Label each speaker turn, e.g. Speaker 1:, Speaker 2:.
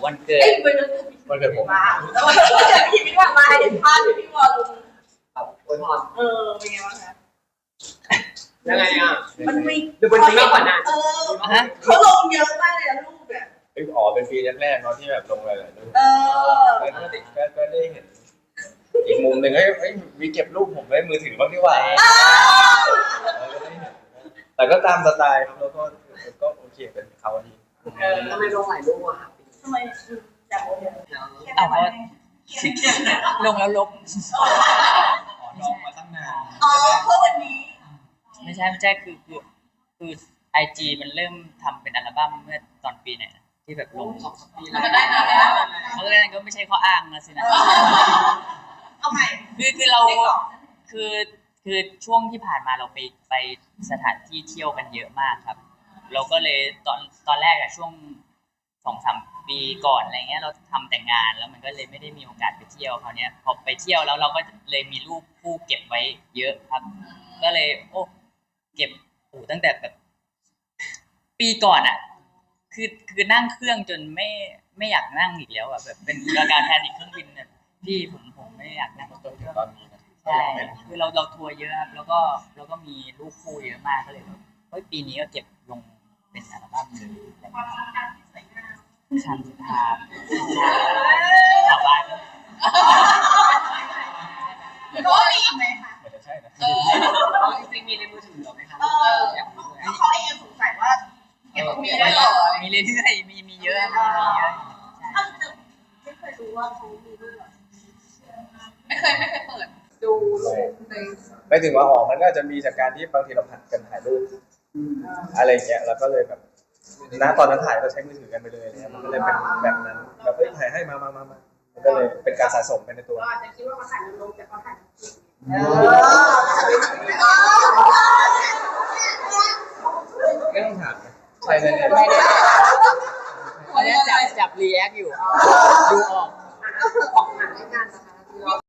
Speaker 1: วันเกิด
Speaker 2: วันเกิดผม
Speaker 3: มาแล้ววันเกิดพี่พี่ว่ามาเห็นภาพที่พี่วอลลง
Speaker 4: ครับอวยพร
Speaker 3: เป็นไงบ้างคะ
Speaker 4: ยังไงอ่ะ
Speaker 3: มันมี
Speaker 4: ดูมันมีมากกว่านั้น
Speaker 3: เขาลงเยอะมากเลยนะรูปเนี่ย
Speaker 2: อ๋อเป็นปีแรกๆเนาะที่แบบลงหลายๆรูปก็ได้เห็นอีกมุมหนึ่งมีเก็บรูปผมไว้มือถือบ้างดีกว่าแต่ก็ตามสไตล์ครับแล้วก็โอเคเป็นเขาดี
Speaker 4: ทำไมลงหลายรูปอ่ะ
Speaker 3: ทำไมจากโอเค
Speaker 1: เอาว่าลงแล้วลบ
Speaker 2: น้องมาตั้งนาน
Speaker 3: เพราะวันนี้
Speaker 1: ไม่ใช่คือIG มันเริ่มทำเป็นอัลบั้มเมื่อตอนปีไหนที่แบบลง
Speaker 4: 2-3 ปีแล้วก็ได้นานแล้ว
Speaker 1: เพราะฉะนั้นก็ไม่ใช่ข้ออ้างนะสินะ
Speaker 3: เอาใหม่
Speaker 1: คือเราคือช่วงที่ผ่านมาเราไปสถานที่เที่ยวกันเยอะมากครับเราก็เลยตอนแรกอะช่วง 2-3 ปีก่อนอะไรเงี้ยเราทำแต่งงานแล้วมันก็เลยไม่ได้มีโอกาสไปเที่ยวคราวนี้พอไปเที่ยวแล้วเราก็เลยมีรูปคู่เก็บไว้เยอะครับก็เลยเก็บตั้งแต่แบบปีก่อนอะคือนั่งเครื่องจนไม่อยากนั่งอีกแล้วอะแบบเป็นอาการแพนิคเครื่องบินเนี่ยพี่ผมไม่อยากนั่ง
Speaker 2: จนถึงตอนนี้นะ
Speaker 1: ใช่คือเราทัวร์เยอะครับแล้วก็มีรูปคู่เยอะมากก็เลยปีนี้ก็เก็บลงเป็นอัลบั้มเลย
Speaker 3: ความทรงจำที่สวยงาม
Speaker 1: คันทางชาวบ้าน
Speaker 3: ก็มีไหมคะ
Speaker 2: จะใช่นะ
Speaker 4: จริงๆมีในมือถือหรอไหมคะ
Speaker 3: เขาเองสงสัยว่ามีได้หรอ
Speaker 1: มีเรื่อยๆมีเยอะ
Speaker 3: ไม่เคยรู้ว่าเขามีรูปหรอ
Speaker 4: ไม่เคยเปิดดูรูป
Speaker 2: ไปถึงว่ามันก็จะมีจากการที่บางทีเราผัดกันถ่ายรูปอะไรเงี้ยแล้วก็เลยแบบตอนนั้นถ่ายก็ใช้มือถือกันไปเลยเนี่ยมันก็เลยเป็นแบบนั้นแบบถ่ายให้มามันก็เลยเป็นการสะสมไปในตัว
Speaker 3: อาจจะคิดว่าเขาถ่ายลงแต่เขาถ่าย
Speaker 2: ไม่ต้องถามใช่เลย
Speaker 1: เขาจะจับรีแอคอยู่ดูออก
Speaker 4: ของหนังในงานนะคะ